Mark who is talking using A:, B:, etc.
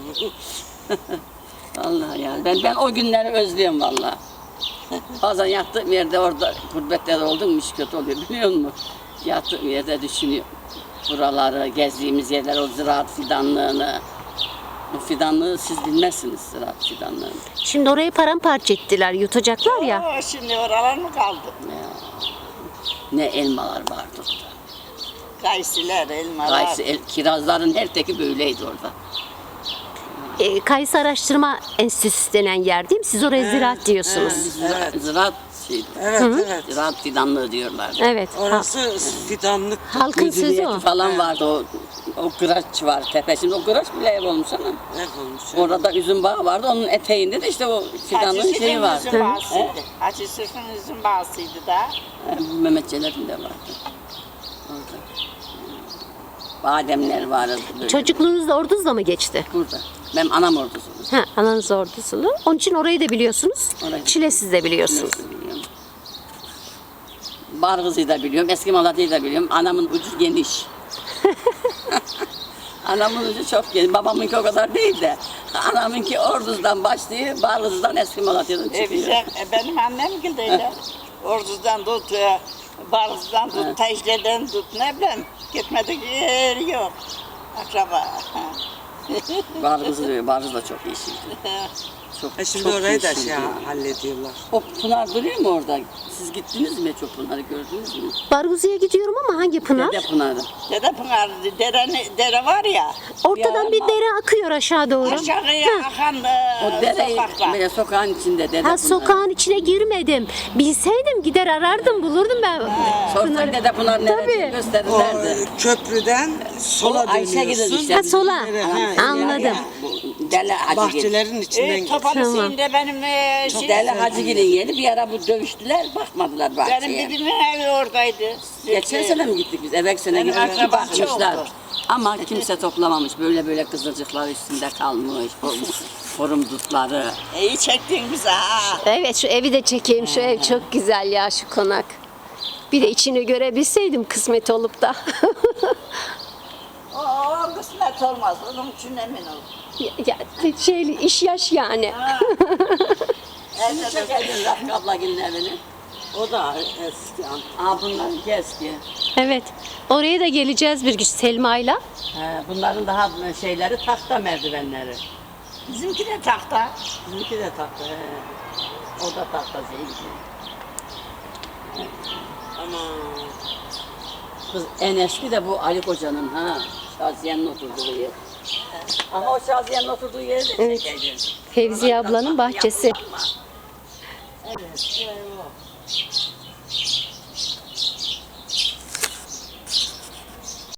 A: Vallahi ya ben o günleri özlüyorum vallahi. Bazen yattığım yerde orada gurbette oldum mu iş kötü oluyor biliyor musun? Yattığım yerde düşünüyorum. Buraları, gezdiğimiz yerler, o ziraat fidanlığını. O fidanlığı siz bilmezsiniz, ziraat fidanlığını.
B: Şimdi orayı paramparça ettiler, yutacaklar ya.
C: Oo, şimdi oralar mı kaldı?
A: Ne elmalar vardı orada.
C: Kayısılar, elmalar.
A: Kirazların her teki böyleydi orada.
B: Kayısı Araştırma Enstitüsü denen yer değil mi? Siz oraya ziraat diyorsunuz.
A: Ziraat şeydi.
D: Evet, evet.
A: Ziraat fidanlığı diyorlardı.
B: Evet.
D: Orası fidanlık.
B: Halkın sözü
A: Müdüriyeti
B: o.
A: falan vardı, o kıraç var tepe. Şimdi o kıraç bile ev olmuş ama.
D: Ev olmuş.
A: Orada üzüm bağı vardı, onun eteğinde de işte o fidanlığın şeyi vardı.
C: Üzüm bağısıydı. Hacı Sırf'ın üzüm bağısıydı da.
A: Mehmetçilerin de vardı. Orada. Bademler vardı. Böyle.
B: Çocukluğunuz da Orduz'da mı geçti?
A: Burada. Benim anam ordusunu.
B: Ha, ananız Orduzulu. Onun için orayı da biliyorsunuz.
A: Orayı-
B: Çilesiz de biliyorsunuz.
A: Biliyorum. Bargız'ı da biliyorum, eski Malatya'yı da biliyorum. Anamın ucu geniş. Anamın ucu çok geniş. Babamınki o kadar değil de. Anamınki Orduz'dan başlıyor, Bargız'dan eski Malatya'dan çıkıyor.
C: Benim annem gibi öyle. Orduz'dan tut, Barız'dan tut, Tecde'den tut, ne bileyim. Gitmedik yer yok. Akraba.
A: Bargız da çok iyi şimdi. Çok,
D: Şimdi
A: çok
D: orayı
A: iyi
D: da
A: şimdi.
D: hallediyorlar.
A: O Pınar duruyor mu orada? Siz gittiniz mi çok Pınar'ı gördünüz mü?
B: Barguzu'ya gidiyorum ama hangi pınar?
A: Dede Pınar'ı.
C: Dede Pınar, dere var ya.
B: Ortadan bir dere akıyor aşağı doğru.
C: Aşağıya akan
A: O dereyi
C: sokaklar.
A: böyle sokağın içinde Dede
B: Ha,
A: Pınar'ı.
B: sokağın içine girmedim. Bilseydim gider arardım, bulurdum ben.
A: Sorsak Dede Pınar nerede
B: Tabii.
D: O
A: gösterirlerdi.
D: köprüden sola
A: O Ayşe
D: dönüyorsun.
A: gidiyor işte.
B: Ha, sola.
D: Ha,
B: Anladım.
A: Deli Hacı Gil.
D: Bahçelerin içinden gidiyor.
C: Topalısıyla benim
A: Deli Hacı Gil'in yeri bir ara bu dövüştüler, bakmadılar
C: benim
A: bahçeye.
C: dedemin evi oradaydı.
A: Geçen sene mi gittik biz? Evvel sene
C: Benim
A: gittik,
C: akrabam
A: bakmışlar.
C: çoktu.
A: Ama kimse toplamamış. Böyle kızılcıklar üstünde kalmış. O forum dutları.
C: İyi çektin bize ha.
B: Evet, şu evi de çekeyim. Şu ev çok güzel ya, şu konak. Bir de içini görebilseydim kısmet olup da.
C: O kısmet olmaz. Onun için emin ol.
B: İş yaş yani.
A: Şimdi çekelim Rafik ablagilin evini.
D: O da eski.
A: Bunlarınki eski.
B: Evet. Oraya da geleceğiz bir gün Selma'yla.
A: Bunların daha şeyleri tahta merdivenleri.
C: Bizimki de tahta.
A: Bizimki de tahta. O da tahta zeytin.
D: Aman.
A: Kız en eski de bu Ali Koca'nın ha. Şaziye'nin oturduğu yer. Ama o Şaziye'nin oturduğu yeri de
B: Evet. Fevziye ablanın bahçesi.
A: Evet.